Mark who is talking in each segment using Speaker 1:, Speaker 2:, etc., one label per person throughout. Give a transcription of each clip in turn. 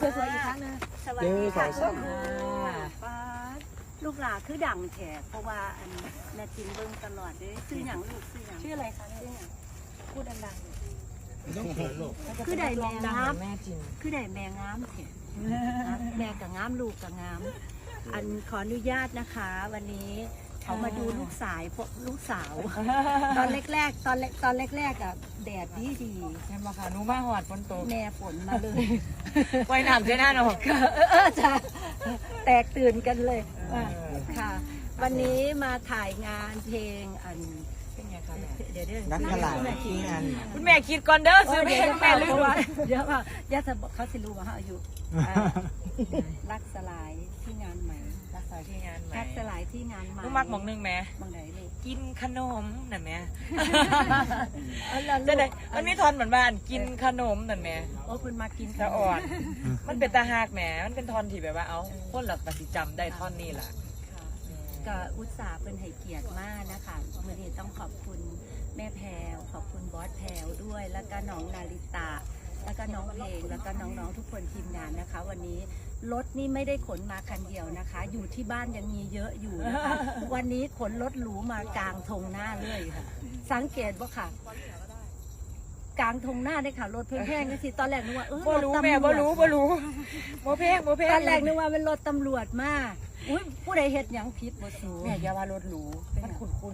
Speaker 1: สวยๆอีกครั้งนึง
Speaker 2: สวัสดีค่ะ
Speaker 1: ป้าลูกหลาคือดังแฉกเพราะว่าอันแม่จินเบิ่งตลอดเลยซื้อหยังลูกซื้อหยัง
Speaker 3: ชื่ออะไรคะ
Speaker 1: ซื้อหยัง
Speaker 3: พูดดังๆหน่อย
Speaker 2: ต้องเขินลูก
Speaker 1: คือได้แม่งาม
Speaker 3: แม่จิน
Speaker 1: คือได้แม่งามแฉกแม่กับงามลูกกับงาม อันขออนุญาตนะคะ วันนี้เขามาดูลูกสาว ตอนแรกๆตอนแรกๆอ่ะแดดดี
Speaker 3: ใช่ไหมคะหนูมาหอดฝนตก
Speaker 1: แม่ฝนมาเลย
Speaker 3: ไว้น้ำใช่หน้าหนอก
Speaker 1: จะแตกตื่นกันเลยค่ะ วันนี้มาถ่ายงานเพลงอัน
Speaker 3: เป็นไงคะแม่
Speaker 1: เดี๋ยว
Speaker 2: นักขลาดที่งาน
Speaker 3: คุณแม่คิดก่อนเด้อซื้อเพล
Speaker 1: เดี๋ยว
Speaker 3: งแม่ลืม
Speaker 1: เดี๋ยวว่าญาติเขาสิรู้ว่าเขาอายุรักสลายที่งานใหม่
Speaker 3: รักษาที่งานไหม
Speaker 1: รักสลายที่งานใหม่
Speaker 3: ลูกมักหมองนึงแม่
Speaker 1: บางไหนเลย
Speaker 3: กินขนมน่ะแม่
Speaker 1: แล้ว
Speaker 3: จะได้มันมีทอนเหมือนบ้านกินขนมน่ะแม่
Speaker 1: โอ้คุณมากิน
Speaker 3: สะอ่อน มันเป็นตาหากแหมมันเป็นทอนที่แบบว่าเอาคนหลักปฏิจำได้ท่อนนี้แหละ
Speaker 1: ค่ะก็อุตส่าห์เป็นให้เกียรติมากนะคะวันนี้ต้องขอบคุณแม่แพรวขอบคุณบอสแพรวด้วย แล้วก็น้องนาริตา แล้วก็น้องเพลงแล้วก็น้องๆทุกคนทีมงานนะคะ วันนี้รถนี่ไม่ได้ขนมาคันเดียวนะคะ อยู่ที่บ้านยังมีเยอะอยู่นะคะ วันนี้ขนรถหรูมากลางทงหน้าเลยค่ะ สังเกตว่าค่ะ กลางทงหน้าได้ค่ะรถแพงๆก็สิตอนแรกนึกว่า
Speaker 3: บ่รู้
Speaker 1: รถตำวจ
Speaker 3: แม่บ่รู้โมเพง
Speaker 1: ตอนแรกนึกว่าเป็นรถตำรวจมาอุ้ยผู้ใดเฮ็ดหยังผิดบ่สู
Speaker 3: แม่อย่าว่ารถหรูมันคุ้น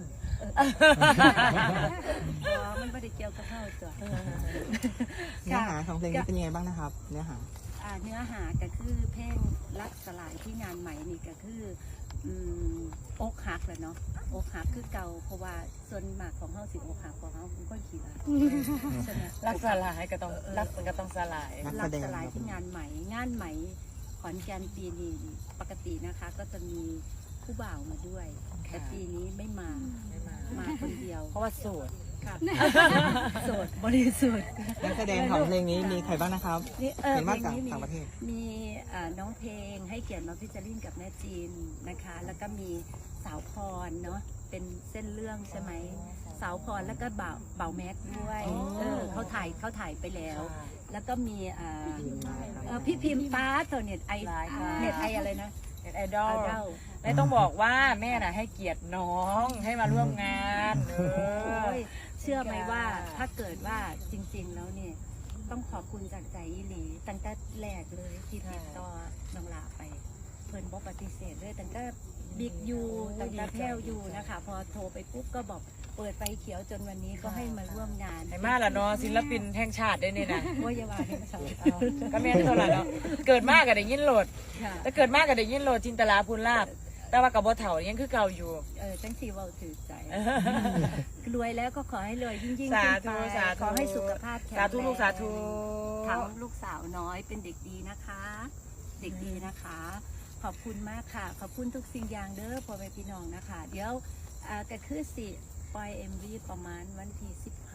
Speaker 1: อ๋อมันไม่ได้เกี่ยวกับเข้าตัว
Speaker 2: เนื้อหาของเพลงนี้เป็นยังไงบ้างนะครับ เนื้อหา
Speaker 1: เนื้อหาก็คือเพลงรักสลายที่งานใหม่นี่ก็คืออกหักแหละเนาะอกหักคือเก่าเพราะว่าส่วนมากของเฮาสิอกหักของเฮาเป็นคนขี้ร้ายใช่ไหม
Speaker 3: รักสลายก็ต้องรักมันก็ต้องสลาย
Speaker 2: นัก
Speaker 1: รั
Speaker 2: แส
Speaker 1: ก
Speaker 2: ดง
Speaker 1: สลายที่งานใหม่ขอนแก่นปีนี้ปกตินะคะ ก็จะมีผู้บ่าวมาด้วย แต่ปีนี้ไม่มามาคนเดียว
Speaker 3: เพราะว่าโสด
Speaker 1: ค่ะโสดบริสุทธิ์
Speaker 2: นักแสดงของเพลงนี้มีใครบ้างนะครับ
Speaker 1: นี่
Speaker 2: เห็นว่า
Speaker 1: เพล
Speaker 2: จาก
Speaker 1: งนี้
Speaker 2: ต่างประเทศ
Speaker 1: มีน้องเพลงให้เกียรติมาพิจารินกับแม่จีนนะคะ แล้วก็มีสาวพรเนาะเป็นเส้นเรื่องใช่ไหมสาวพรแล้วก็บ่าวแม็กด้วยเขาถ่ายไปแล้ว แล้วก็มีพี่พิมพ์ฟ้าตัวเน็ตไออะไรนะ
Speaker 3: ไอดอลแม่ต้องบอกว่าแม่น่ะให้เกียรติน้องให้มาร่วมงาน
Speaker 1: โอ้ยเชื่อไหมว่าถ้าเกิดว่าจริงๆแล้วเนี่ยต้องขอบคุณจากใจอีหลีตั้งแต่แรกเลยที่ติดต่อน้องลาไป เพิ่นบอกปฏิเสธเลยตั้งแต่บิ๊กยูตั้งแต่แพ้วยูนะคะ พอโทรไปปุ๊บก็บอกเปิดไฟเขียวจนวันนี้ก็ให้มาร่วมงาน
Speaker 3: ไอ้มาละเนาะศิลปินแห่งชาติได้นี่นะ
Speaker 1: ว่ายาวาให้มาสอน
Speaker 3: ก็แม่เท่าไหร่เนาะเกิดมากกับได้ยินโหลด
Speaker 1: ค่ะ
Speaker 3: แต่เกิดมากกับได้ยินโหลดจินตลาพูนลาบแต่ว่ากับบ่เฒ่ายังคือเก่าอยู่
Speaker 1: จังสีเว่าถือใจรวยแล้วก็ขอให้รวยยิ่งๆ
Speaker 3: สา
Speaker 1: ขึ้น
Speaker 3: ธุ
Speaker 1: ไป
Speaker 3: สาธุ
Speaker 1: ขอให้สุขภาพแข็ง
Speaker 3: สา
Speaker 1: แรง
Speaker 3: ธุลูกสาธุ
Speaker 1: ทั้งลูกสาวน้อยเป็นเด็กดีนะคะ เด็กดีนะคะ ขอบคุณมากค่ะ ขอบคุณทุกสิ่งอย่างเด้อพ่อแม่พี่น้องนะคะ เดี๋ยวก็คือสิปล่อย MV ประมาณวันที่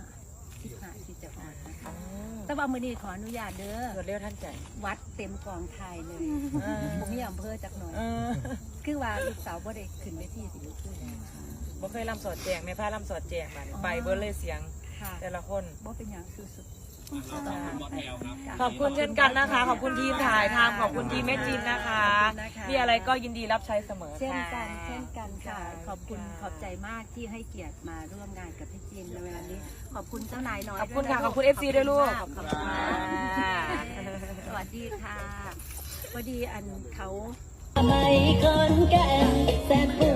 Speaker 1: 15ที่จะออกนะคะแต่ว่ามื้อนี้ขออนุญาตเด้อ
Speaker 3: รวดเร็วทันใจ
Speaker 1: วัดเต็มกองไทยเลยผมมีอำเภอจักหน่อย
Speaker 3: เออ
Speaker 1: คือว่าลูกสาวบ่ได้ขึ้นเวทีสิลูกขึ้น
Speaker 3: บ่เคยลำสอดแจงแม่พาลำสอดแจงมาไปเบิร์เลยเสียง
Speaker 1: ค่ะ
Speaker 3: แต่ละคน
Speaker 1: บ่เป็นอย่างสุดๆ
Speaker 3: ขอบคุณเช่นกันนะคะ ขอบคุณทีมถ่ายทำขอบคุณทีมแม่จินนะคะ มีอะไรก็ยินดีรับใช้เสมอ
Speaker 1: เช่น
Speaker 3: ค่ะ
Speaker 1: กันเช่นกันค่ะ ขอบคุณขอบใจมากที่ให้เกียรติมาร่วมงานกับพี่จินในเวลานี้ ขอบคุณเจ้านายน้อย
Speaker 3: ขอบคุณค่ะ
Speaker 1: ด้วยนะ
Speaker 3: ขอบคุณ FC ด้วยลูก
Speaker 1: ขอบคุณค่ะสวัสดีค่ะพอดีอันเขา
Speaker 4: ไม่คนแก่แสน